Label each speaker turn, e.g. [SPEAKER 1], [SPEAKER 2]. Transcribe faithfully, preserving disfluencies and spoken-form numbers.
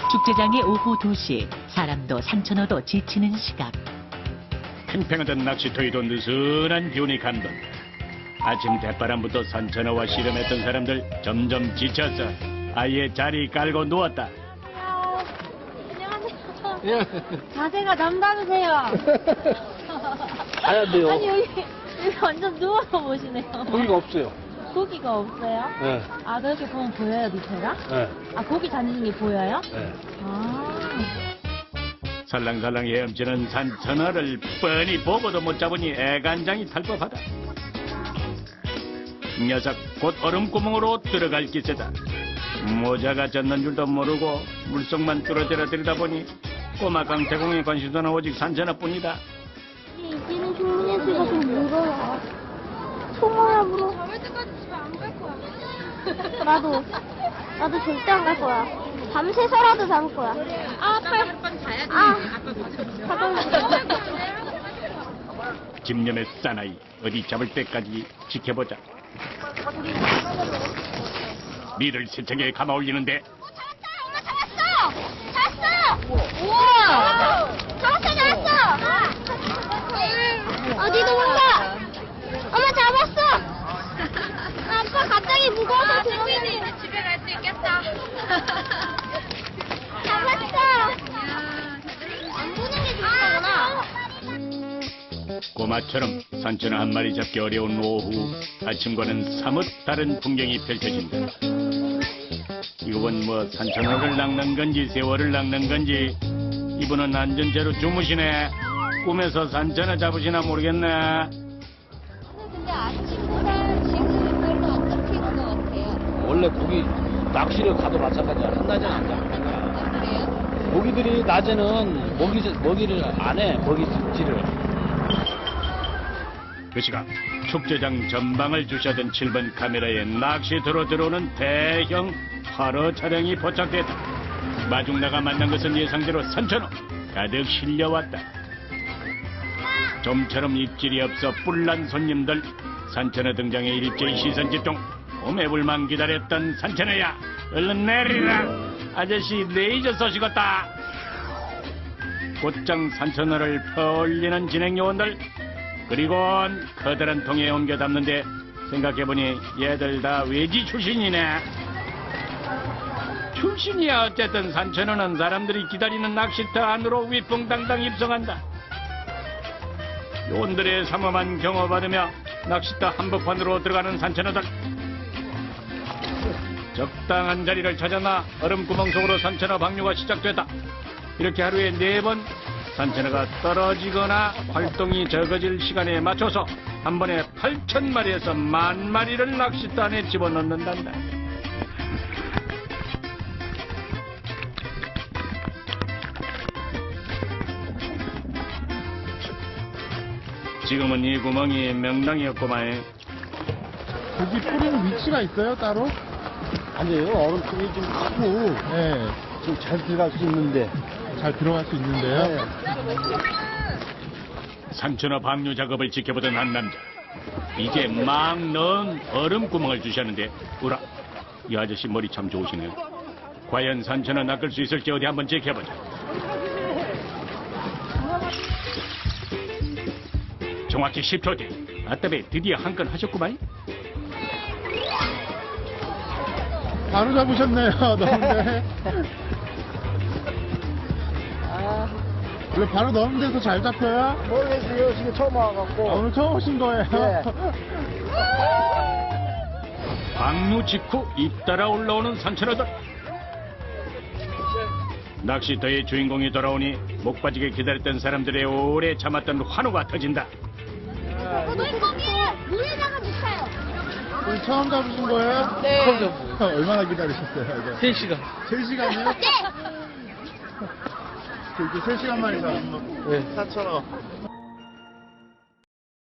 [SPEAKER 1] 축제장의 오후 두 시, 사람도 산천어도 지치는 시각.
[SPEAKER 2] 팽팽하던 낚시터에도 느슨한 기운이 감돈. 아침 대바람부터 산천어와 씨름했던 사람들 점점 지쳐서 아예 자리 깔고 누웠다.
[SPEAKER 3] 안녕하세요.
[SPEAKER 4] 자세가 남다르세요.
[SPEAKER 3] 안 돼요.
[SPEAKER 4] 아니 여기, 여기 완전 누워서 보시네요.
[SPEAKER 3] 고기가 없어요.
[SPEAKER 4] 고기가 없어요?
[SPEAKER 3] 네.
[SPEAKER 4] 아 그렇게 보면 보여요 밑에가?
[SPEAKER 3] 네.
[SPEAKER 4] 아 고기 다니는 게 보여요?
[SPEAKER 3] 네.
[SPEAKER 4] 아.
[SPEAKER 2] 살랑살랑 헤엄치는 산천어를 뻔히 보고도 못 잡으니 애간장이 탈 법하다. 녀석 곧 얼음구멍으로 들어갈 기세다. 모자가 젖는 줄도 모르고 물속만 뚫어져라 들여다보니 꼬마 강태공의 관심사는 오직 산천어뿐이다.
[SPEAKER 4] 이제는 종민이 씨가 좀 물어요. 소모야 물어.
[SPEAKER 5] 잡을 때까지 집에 안 갈 거야.
[SPEAKER 4] 나도. 나도 절대 안 갈 거야. 밤새서라도 잡을 거야. 아, 팔.
[SPEAKER 5] 한번 자야지.
[SPEAKER 4] 아.
[SPEAKER 5] 아빠
[SPEAKER 2] 집념의 사나이 어디 잡을 때까지 지켜보자. 미를 세척에 감아올리는데
[SPEAKER 4] 엄마 잡았어! 잡았어! 우와! 잡았어, 잡았어! 어디 도망가? 엄마 잡았어! 아빠 갑자기 무거워서 들어오니
[SPEAKER 5] 이제 집에 갈 수 있겠다.
[SPEAKER 4] 잡았어! 안 보는 게 좋구나.
[SPEAKER 2] 꼬마처럼 산천어 한 마리 잡기 어려운 오후, 아침과는 사뭇 다른 풍경이 펼쳐진다. 이건 뭐 산천어를 낚는 건지 세월을 낚는 건지. 이분은 안전제로 주무시네. 꿈에서 산천어 잡으시나 모르겠네.
[SPEAKER 4] 근데 아침보다 지금 별로 안 잡히는 것 같아요.
[SPEAKER 3] 원래 고기 낚시를 가도 마찬가지야. 한낮에는 안 잡힌다.
[SPEAKER 4] 그래요?
[SPEAKER 3] 고기들이 낮에는 먹이, 먹이를 안 해. 먹이질을.
[SPEAKER 2] 그 시각 축제장 전방을 주시하던 칠 번 카메라에 낚시터로 들어오는 대형 화로 차량이 포착됐다. 마중나가 만난 것은 예상대로 산천어 가득 실려왔다. 좀처럼 입질이 없어 뿔난 손님들. 산천어 등장에 일제히 시선 집중. 오매불만 기다렸던 산천어야, 얼른 내리라. 아저씨 레이저 쏘시겠다. 곧장 산천어를 퍼올리는 진행요원들. 그리곤 커다란 통에 옮겨 담는데 생각해보니 얘들 다 외지 출신이네. 출신이야. 어쨌든 산천어는 사람들이 기다리는 낚시터 안으로 위풍당당 입성한다. 요원들의 삼엄한 경호 받으며 낚시터 한복판으로 들어가는 산천어들. 적당한 자리를 찾아나 얼음구멍 속으로 산천어 방류가 시작됐다. 이렇게 하루에 네 번 산천어가 떨어지거나 활동이 적어질 시간에 맞춰서 한 번에 팔천 마리에서 만 마리를 낚싯대 안에 집어넣는단다. 지금은 이 구멍이 명당이었구만.
[SPEAKER 6] 고기 뿌리는 위치가 있어요, 따로?
[SPEAKER 3] 아니에요. 얼음통이 좀 크고,
[SPEAKER 6] 네.
[SPEAKER 3] 좀 잘 들어갈 수 있는데.
[SPEAKER 6] 잘 들어갈 수 있는데요.
[SPEAKER 3] 네.
[SPEAKER 2] 산천어 방류 작업을 지켜보던 한 남자. 이제 막 넣은 얼음 구멍을 주시하는데, 우라, 이 아저씨 머리 참 좋으시네요. 과연 산천어 낚을 수 있을지 어디 한번 지켜보자. 정확히 십 초 뒤. 아따배 드디어 한 건 하셨구만.
[SPEAKER 6] 바로 잡으셨네요, 넣은데. 원래 바로 넣으면 돼서 잘 잡혀요?
[SPEAKER 3] 모르겠어요. 지금 처음 와갖고.
[SPEAKER 6] 아, 오늘 처음 오신 거예요?
[SPEAKER 3] 네.
[SPEAKER 2] 방류 직후 잇따라 올라오는 산천어들. 낚시터의 주인공이 돌아오니 목 빠지게 기다렸던 사람들의 오래 참았던 환호가 터진다.
[SPEAKER 4] 물고기를 물에다가 묻혀요.
[SPEAKER 6] 오늘 처음 잡으신 거예요?
[SPEAKER 4] 네.
[SPEAKER 3] 처음 잡은 거예요.
[SPEAKER 6] 얼마나 기다리셨어요, 이거?
[SPEAKER 3] 세 시간.
[SPEAKER 6] 세 시간이요?
[SPEAKER 4] 네.
[SPEAKER 6] 이렇게 세 시간 만에 잡은 거.
[SPEAKER 3] 네.
[SPEAKER 6] 사천원.